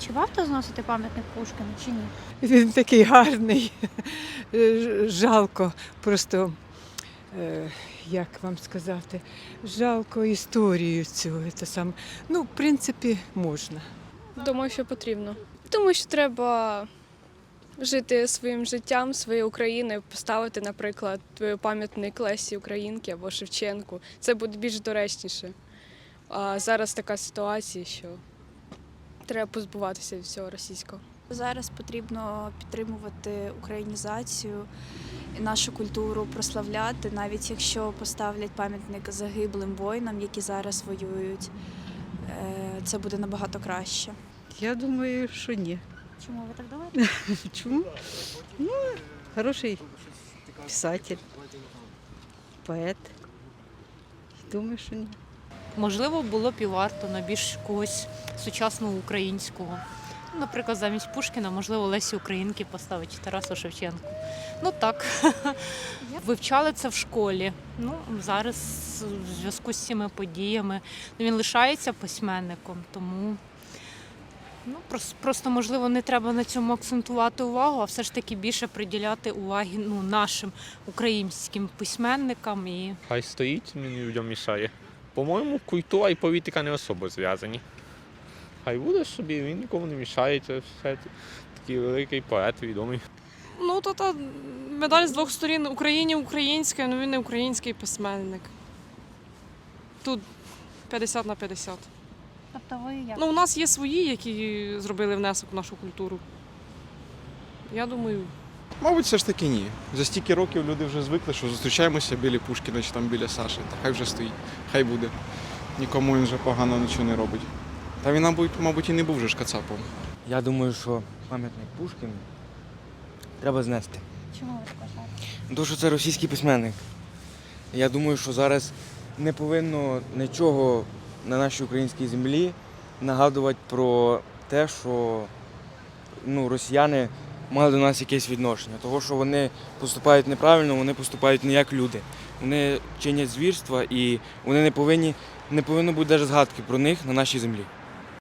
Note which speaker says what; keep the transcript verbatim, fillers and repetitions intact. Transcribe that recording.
Speaker 1: Чи варто зносити пам'ятник Пушкіну, чи ні?
Speaker 2: Він такий гарний. Ж- Жалко просто, е, як вам сказати, жалко історію цю. Це сам. Ну, в принципі, можна.
Speaker 3: Думаю, що потрібно. Тому що треба жити своїм життям, своєю Україною, поставити, наприклад, пам'ятник Лесі Українки або Шевченку. Це буде більш доречніше. А зараз така ситуація, що треба позбуватися від всього російського.
Speaker 4: Зараз потрібно підтримувати українізацію і нашу культуру прославляти, навіть якщо поставлять пам'ятник загиблим воїнам, які зараз воюють, е, це буде набагато краще.
Speaker 5: Я думаю, що ні.
Speaker 1: Чому ви так думаєте?
Speaker 5: Чому? Ну, хороший писатель, поет. Думаю, що ні.
Speaker 6: Можливо, було б і варто на більш когось сучасного українського. Ну, наприклад, замість Пушкіна, можливо, Лесі Українки поставити чи Тарасу Шевченку. Ну так, вивчали це в школі. Ну, зараз в зв'язку з цими подіями ну, він лишається письменником, тому ну, просто, просто, можливо, не треба на цьому акцентувати увагу, а все ж таки більше приділяти уваги ну, нашим українським письменникам. І
Speaker 7: Хай стоїть, він людям мішає. По-моєму, культура і політика не особо зв'язані. Хай буде собі, він нікому не мішає, це все такий великий поет, відомий.
Speaker 8: Ну, то та медаль з двох сторін. Україні українська, але він не український письменник. Тут п'ятдесят на п'ятдесят.
Speaker 1: Тобто ви як?
Speaker 8: Ну, у нас є свої, які зробили внесок в нашу культуру. Я думаю,
Speaker 9: Мабуть, все ж таки ні. За стільки років люди вже звикли, що зустрічаємося біля Пушкіна чи там біля Саші. Та хай вже стоїть, хай буде. Нікому він вже погано нічого не робить. Та він, мабуть, мабуть, і не був вже ж кацапом.
Speaker 10: Я думаю, що пам'ятник Пушкіну треба знести.
Speaker 1: Чому ви так вважаєте?
Speaker 10: Тому що це російський письменник. Я думаю, що зараз не повинно нічого на нашій українській землі нагадувати про те, що ну, росіяни мали до нас якесь відношення. Того, що вони поступають неправильно, вони поступають не як люди. Вони чинять звірства і вони не повинні, не повинно бути навіть згадки про них на нашій землі.